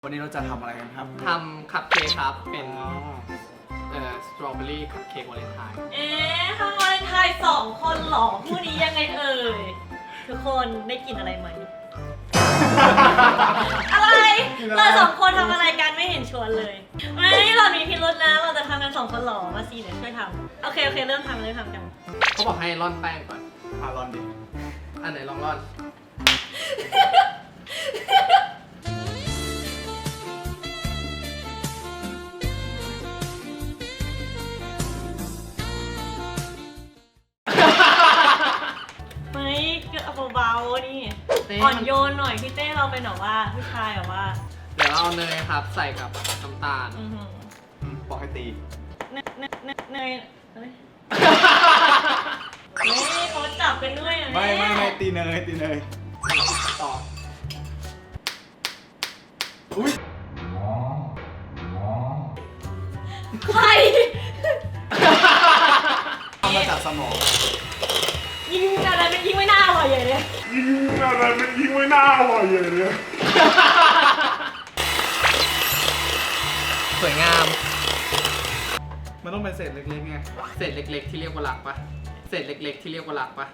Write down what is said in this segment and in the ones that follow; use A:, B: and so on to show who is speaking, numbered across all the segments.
A: วันนี้เราจะทำอะไรกันครับ
B: ทำคัพเค้กครับเป็นสตรอเบอรี่คัพเค้กวาเลนไทน์
C: ทำวาเลนไทน์2 คนหรอคู่นี้ยังไงเอ่ยทุกคนได้กินอะไรไหม อะไรเรา2 คนทำอะไรกันไม่เห็นชวนเลยไม่เรามีพิรุธนะเราจะทำกัน2 คนหรอมาสิเดี๋ยวช่วยทำโอเคเริ่มทำกัน
B: เขาบอกให้ร่อนแป้งก่อน
A: ลอนดิ
B: อันไหนลองร่อน
C: ไม่ก็เบาๆนี่อ่อนโยนหน่อยพี่เต้เราเป็นแบบว่าผู้ชายแบบว่า
B: เดี๋ยวเราเอาเนยครับใส่กับน้ำตาล
A: บอกให้ตี
C: เนยเฮ้ยเขาจับกันด้วย
A: ไม่ตีเนย
B: ต่อ
A: อุ้ย
C: ใคร
A: ทำมาจากสมอง
C: ยิงอะไรมันยิงไม่น่าอร่อยใหญ่เลย
B: สวยงาม
A: มันต้องเป็นเศษเล็กๆไง
B: เศษเล็กๆที่เรียกว่าหลักปะเศษเล็กๆที่เรียกว่าหลักปะ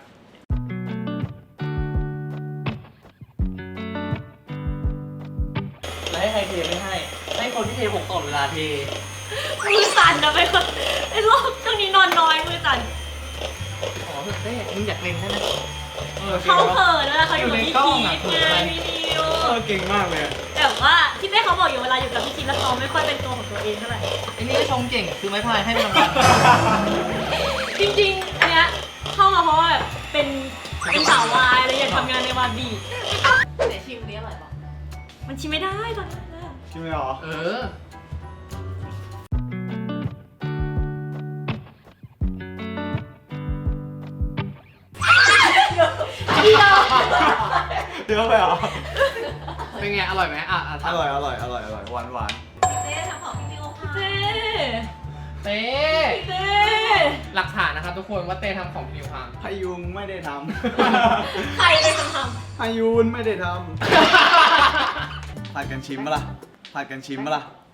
B: แล้วให้ใครเทไม่ให้คนที่เทผมก่อนเวลาเท
C: มือสั่นนะไปคนไอ้โรคช่วงนี้นอนน้อยมือสั่น
B: อ๋อเต้มึงอยากเล่นใช่ไหม
C: เขาเขินนะเขาอยู่กับพี่คีดไงพี่นิว
A: เก่งมากเลย
C: แต่ว่าที่แม่เขาบอกอยู่เวลาอยู่กับพี่คีดแล้วเขาไม่ค่อยเป็นตัวของตัวเองเท่าไหร่
B: ไอ้นี่ก็ชมเก่งคือไม้พายให้มันรางวัล
C: จริงๆอันเนี้ยเข้ามาเพราะว่าแบบเป็นสาววายอะไรอยากทำงานในวาบี
D: ไหนชิมนี้อร่อยปะ
C: มันชิมไม่ได้ตอนนี้
A: ชิมไม่หรอเดี๋ยวไปเหรอ
B: เป็นไงอร่อยไหม
A: อร่อยหวาน
D: เต้ทำของพี่นิวค่ะ
C: เต้
B: หลักฐานนะครับทุกคนว่าเต้ทำของพี่นิวพัง
A: พายุงไม่ได้ท
C: ำใครเป็นคนท
A: ำพายุนไม่ได้ทำผัดกันชิมปะล่ะ